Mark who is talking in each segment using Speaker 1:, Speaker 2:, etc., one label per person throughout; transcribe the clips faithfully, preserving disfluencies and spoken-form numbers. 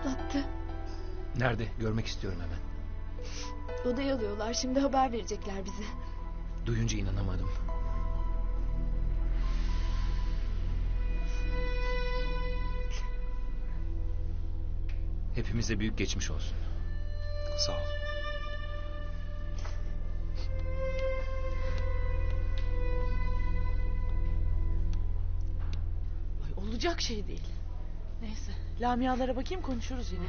Speaker 1: atlattı.
Speaker 2: Nerede? Görmek istiyorum hemen.
Speaker 1: Odaya alıyorlar. Şimdi haber verecekler bize.
Speaker 2: Duyunca inanamadım. Hepimize büyük geçmiş olsun.
Speaker 3: Sağ ol.
Speaker 4: Ay, olacak şey değil. Neyse, Lamialara bakayım, konuşuruz yine.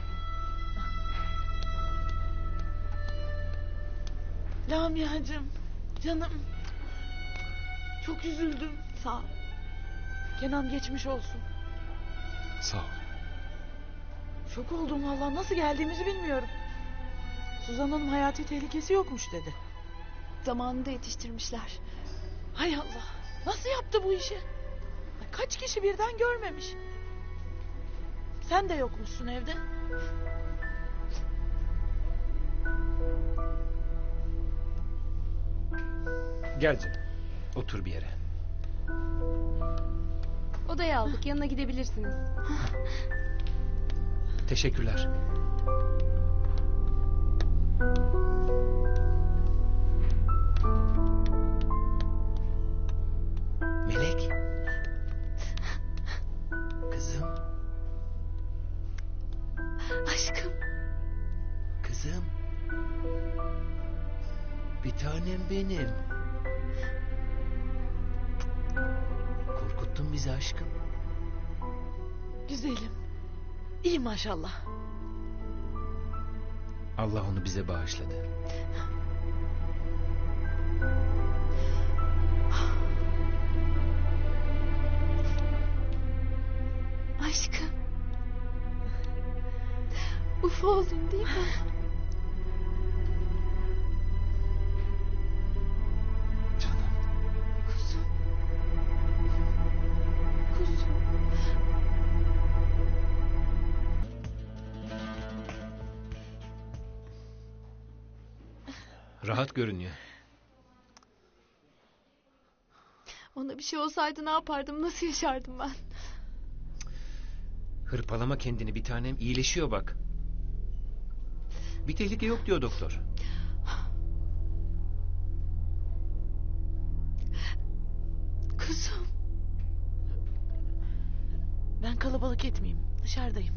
Speaker 4: Lamiacığım, canım. Çok üzüldüm.
Speaker 1: Sağ ol.
Speaker 4: Kenan geçmiş olsun.
Speaker 3: Sağ ol.
Speaker 4: Şok oldum vallahi, nasıl geldiğimizi bilmiyorum. Suzan Hanım hayati tehlikesi yokmuş dedi.
Speaker 1: Zamanında yetiştirmişler.
Speaker 4: Hay Allah, nasıl yaptı bu işi? Ay, kaç kişi birden görmemiş. Sen de yokmuşsun evde.
Speaker 2: Gel canım. Otur bir yere.
Speaker 5: Odaya aldık, yanına gidebilirsiniz.
Speaker 2: Teşekkürler. Melek. Kızım.
Speaker 1: Aşkım.
Speaker 2: Kızım. Bir tanem benim. Korkuttun bizi aşkım.
Speaker 4: Güzelim. İyi maşallah.
Speaker 2: Allah onu bize bağışladı.
Speaker 1: Aşkım. Uf oldun değil mi?
Speaker 3: Canım.
Speaker 1: Kuzum. Kuzum.
Speaker 2: Rahat görünüyor.
Speaker 1: Ona bir şey olsaydı ne yapardım? Nasıl yaşardım ben?
Speaker 2: Hırpalama kendini bir tanem, iyileşiyor bak. Bir tehlike yok diyor doktor.
Speaker 1: Kuzum.
Speaker 4: Ben kalabalık etmeyeyim, dışarıdayım.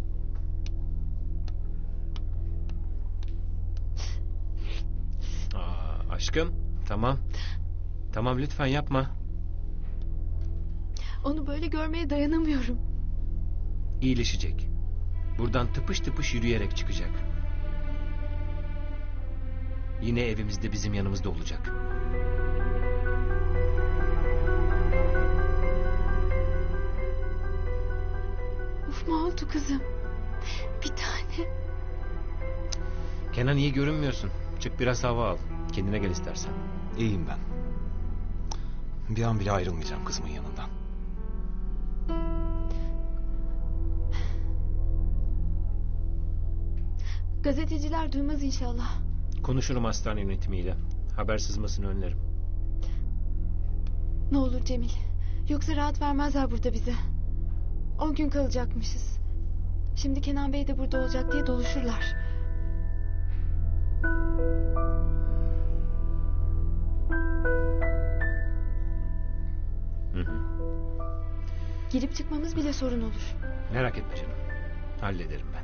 Speaker 2: Aa, aşkım tamam. Tamam lütfen yapma.
Speaker 1: Onu böyle görmeye dayanamıyorum.
Speaker 2: İyileşecek. Buradan tıpış tıpış yürüyerek çıkacak. Yine evimizde bizim yanımızda olacak.
Speaker 1: Uf mu oldu kızım? Bir tane.
Speaker 2: Kenan iyi görünmüyorsun. Çık biraz hava al. Kendine gel istersen.
Speaker 3: İyiyim ben. Bir an bile ayrılmayacağım kızımın yanından.
Speaker 1: Gazeteciler duymaz inşallah.
Speaker 2: Konuşurum hastane yönetimiyle. Haber sızmasını önlerim.
Speaker 1: Ne olur Cemil. Yoksa rahat vermezler burada bize. On gün kalacakmışız. Şimdi Kenan Bey de burada olacak diye doluşurlar.
Speaker 2: Hı hı.
Speaker 1: Girip çıkmamız bile sorun olur.
Speaker 2: Merak etme canım. Hallederim ben.